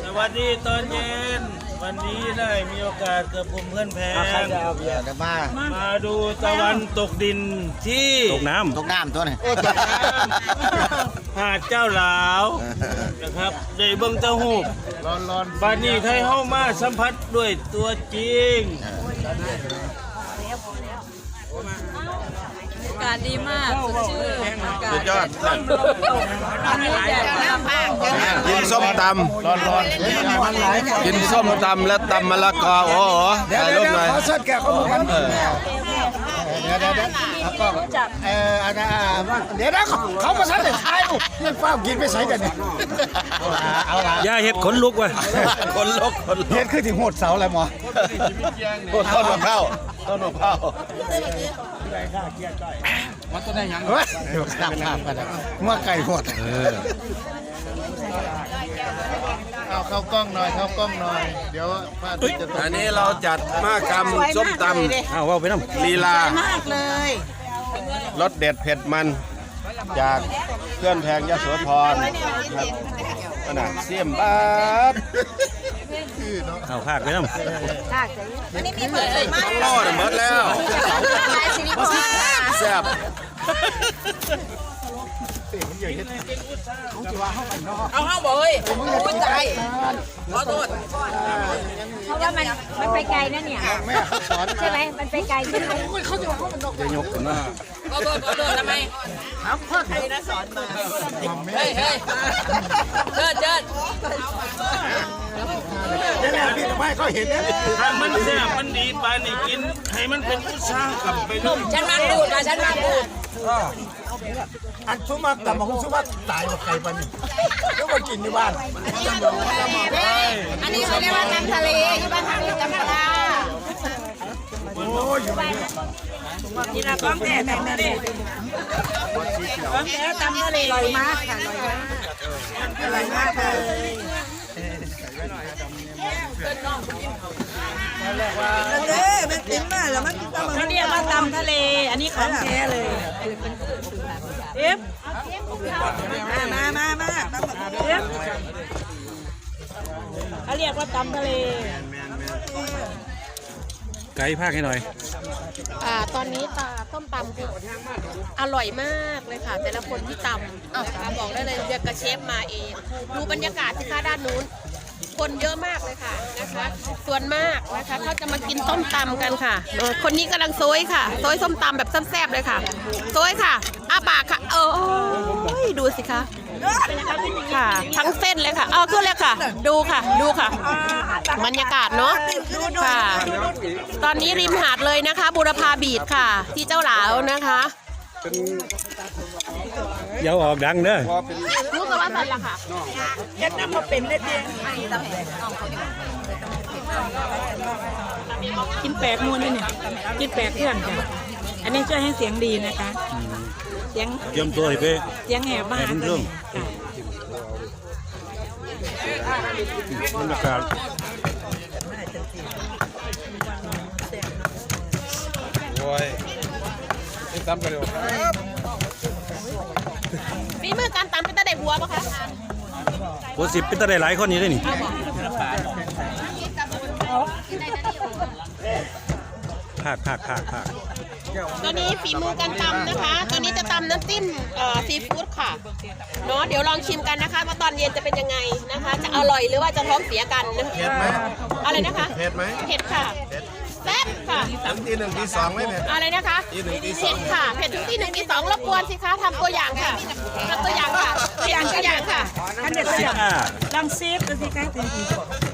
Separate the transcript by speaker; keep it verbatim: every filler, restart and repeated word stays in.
Speaker 1: วัสดีตอนเย็นวันนี้ได้มีโอกาสกับผมเพื่อนแพงมามาดูตะวันตกดินที่
Speaker 2: ตกน้ำ
Speaker 3: ตกน้ำตัวนี้
Speaker 1: หาดเจ้าหลาวนะครับได้เบิ้งเจ้าหูร้อนร้อนบ้านนี้ไทยเข้ามาสัมผัสด้วยตัวจริง
Speaker 4: อากาศดีมากสดชื่นอากาศ
Speaker 2: สุดยอด
Speaker 4: อันนี้แดดมาก
Speaker 2: กินส้มตำร้อนร้อนกินส้มตำและตำมะละกอโอ้โหถ่ายรูปหน่อย
Speaker 3: ขอสักแก่เขากันเดี๋ยวเดี๋ยวเดี๋ยวแล้วก็เอออันนั้นเดี๋ยวนะเขามาสักแต่ท้ายนี่ฟ้ากินไม่ใส่กันเนี่ยเอาละ
Speaker 2: ย่าเห็ดขนลุกว่ะขนลุกขนลุก
Speaker 3: เฮ็ดขึ้นถึงโหดเสาอะไรหมอ
Speaker 2: ต้นมะพร้าวต้นมะพร้าว
Speaker 3: มันจะได้ยังเฮ้ยเดี๋ยวข้ามข้ามกันเมื่อไก่หด
Speaker 1: เอาเข้ากล้องหน่อยเข้ากล้องหน่อยเดี๋ยวพระอาทิตย์จะตก
Speaker 2: อันนี้เราจัดมากรรมส้มตำเอาว่าไปน้ำลีลามากเลยรสเด็ดเผ็ดมันจากเพื่อนแพงยโสธรครับขนาดเสียมบาทเอาภาคไปน้ำ
Speaker 4: อันนี้มีเปิดเลยมาก
Speaker 2: โอ้หมดแล้วแซ่บ
Speaker 4: เอาห้าบ่อยพูดใจขอโทษเพราะว่ามันมันไปไกลนะเนี่ยใช่ไหมมันไปไกลใช่ไหมเขาจะว่าเขามันจะยกกันนะขอโทษขอโทษทำไมถามพ่อใครนะสอนมาเฮ้ยเฮ้ยเจิดเจิด
Speaker 3: เดี๋ยวพี่ทำไมเขาเห็นเนี่ย
Speaker 1: ถ้ามันแซ่บมันดีปานนี่กินให้มันเป็นอุตสาหกรรมไปเลย
Speaker 4: ฉันมาพูดนะฉันมาพูด
Speaker 3: อันชุมาแต่มาคุณชุมาตายกับไก่ปะนี่ก็มากินที่บ้าน
Speaker 4: อันนี้เขาเรียกว่าตำทะเลที่บ้านทางตำปลา
Speaker 3: โอ้ย
Speaker 4: นี่นะก้องแต่ตำทะเลก้องแต่ตำทะเลลอยมากค่ะลอยมากเลย
Speaker 5: เด้มันกินมาแล้วมันเขาเรียกว่าตำทะเลอันนี้ของแท้เลยเอฟมามามามาเอฟเขาเรียกว่าตำทะเล
Speaker 2: ไก่ภาคให้หน่อย
Speaker 6: อ่าตอนนี้ตาต้มตำคืออร่อยมากเลยค่ะแต่ละคนที่ตำอ่ะบอกได้เลยเรียกกระเชฟมาเองดูบรรยากาศสิคะด้านนู้นคนเยอะมากเลยค่ะนะคะส่วนมากนะคะเขาจะมากินส้มตำกันค่ะคนนี้กำลังโซยค่ะโซยส้มตำแบบแซ่บๆเลยค่ะโซยค่ะอ้าปากค่ะโอ้ยดูสิคะค่ะทั้งเส้นเลยค่ะเอาขึ้นเลยค่ะดูค่ะดูค่ะบรรยากาศเนาะค่ะตอนนี้ริมหาดเลยนะคะบูรพาบีชค่ะที่เจ้าหลาวนะคะ
Speaker 2: เดี๋ยวออกดังเด้อ
Speaker 6: รู้กันว่าสันละค่ะ
Speaker 5: เย็ดน้ำมาเป็นได้เพียงกินแปลกมูลนี่เนี่ยกินแปลกเพื่อนค่ะอันนี้ช่วยให้เสียงดีนะคะเสียง
Speaker 2: เยี่ยมตัวเพ่
Speaker 5: เสียงแหบมากเลย
Speaker 2: บรรยากาศโอ้ยนี่ตำกันเร็ว
Speaker 6: ฝีมือการตำเป็นตาได้หัวปะคะ
Speaker 2: โอ้สิบเป็นตาได้หลายคนอยู่ได้นี่ภาคภาคภาคภาค
Speaker 6: ตอนนี้ฝีมือการตำนะคะตอนนี้จะตำน้ำจิ้มซีฟู้ดค่ะเนาะเดี๋ยวลองชิมกันนะคะว่าตอนเย็นจะเป็นยังไงนะคะจะอร่อยหรือว่าจะท้องเสียกันนะคะ
Speaker 2: เผ็ดไหม
Speaker 6: อะไรนะคะ
Speaker 2: เผ็ดไหม
Speaker 6: เผ็ดค่ะแซ่บค่ะ
Speaker 2: ถึงที่หนึ่งที่สองไม่เผ็ด
Speaker 6: อะไรนะคะ
Speaker 2: ที่หนึ่งที่สอง
Speaker 6: เผ็ดค่ะเผ็ดถึงที่หนึ่งที่สองรบกวนสิคะทำตัวอย่างค่ะทำตัวอย่างค่ะตัวอย่างตัวอย่างค่ะ
Speaker 5: อันเด็ดตัวอย่างลองซีฟดูสิคะ